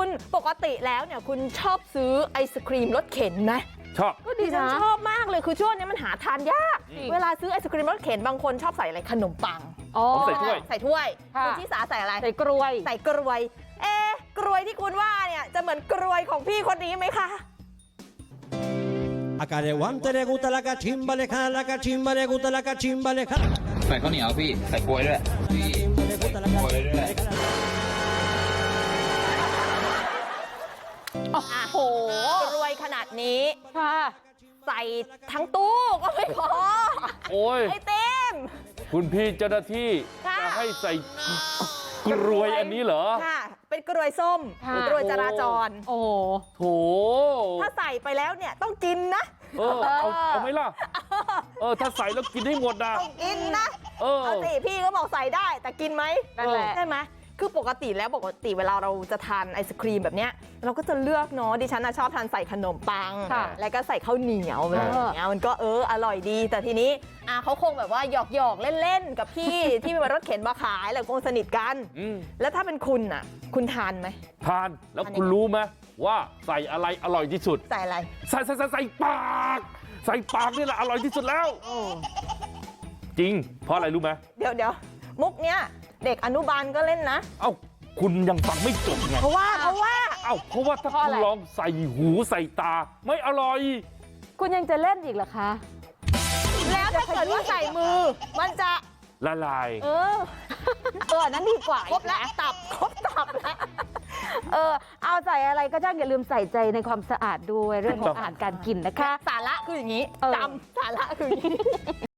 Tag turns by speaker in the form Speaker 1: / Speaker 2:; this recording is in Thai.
Speaker 1: ปกติแล้วเนี่ยคุณชอบซื้อไอศครีมรถเข็นไหม
Speaker 2: ชอบ
Speaker 1: ก็ดิฉันชอบมากเลยคือช่วงนี้มันหาทานยากเวลาซื้อไอศครีมรถเข็นบางคนชอบใส่อะไรขนมปัง
Speaker 2: ผมใส่ถ้วย
Speaker 1: คุณชิสาใส่อะไร
Speaker 3: ใส่กล้วย
Speaker 1: กล้วยกล้วยที่คุณว่าเนี่ยจะเหมือนกล้วยของพี่คนนี้ไหมคะ
Speaker 4: Acá de guante le gusta la cachimba, le jala la cachimba, le gusta la cachimba, le jala.
Speaker 5: ใส่ข้าวเหนียวพี่ใส่กล้วยด้วยพี่ใส่กล้วยด้วย
Speaker 1: โอ้โหรวยขนาดนี้
Speaker 3: ค่ะ
Speaker 1: ใส่ทั้งตู้ก็ไม่พอ
Speaker 2: โอ้ย
Speaker 1: ไอเต็ม
Speaker 2: คุณพี่เจ้าหน้าที่จะให้ใส่กรวยอันนี้เหรอ
Speaker 1: ค่ะเป็นกรวยส้มกรวยจราจร
Speaker 3: โอ้
Speaker 2: โถ
Speaker 1: ถ้าใส่ไปแล้วเนี่ยต้องกินนะ
Speaker 2: เอาไหมล่ะถ้าใส่แล้วกินให้หมดนะ
Speaker 1: ต้องกินนะเอาสิพี่ก็บอกใส่ได้แต่กินไหมใช่ไหมคือปกติเวลาเราจะทานไอศครีมแบบเนี้ยเราก็จะเลือกเนาะดิฉันชอบทานใส่ขนมปังแล้วก็ใส่ข้าวเหนียวอะไรอย่างเงี้ยมันก็อร่อยดีแต่ทีนี้เขาคงแบบว่าหยอกเล่นๆกับพี่ที่มีรถเข็นมาขายแล้วคงสนิทกันแล้วถ้าเป็นคุณอ่ะคุณทานไหม
Speaker 2: ทานแล้วคุณรู้ไหมว่าใส่อะไรอร่อยที่สุด
Speaker 1: ใส่อะไร
Speaker 2: ใส่ปากนี่แหละอร่อยที่สุดแล้วจริงเพราะอะไรรู้ไหม
Speaker 1: เดี๋ยวมุกเนี้ยเด็กอนุบาลก็เล่นนะ
Speaker 2: เอ้าคุณยังฟังไม่จบไง
Speaker 1: เพราะว่า
Speaker 2: ถ้าคุณลองใส่หูใส่ตาไม่อร่อย
Speaker 3: คุณยังจะเล่นอีกเหรอคะ
Speaker 1: แล้วถ้าเกิดว่าใส่มือมันจะ
Speaker 2: ละลาย
Speaker 3: นั้นดีกว่า
Speaker 1: ครบแล้วตับแล้ว
Speaker 3: เอาใส่อะไรก็ช่างอย่าลืมใส่ใจในความสะอาดด้วยเรื่องของอาหารการกินนะคะ
Speaker 1: สาระคืออย่างนี้จำสาระคืออย่างนี้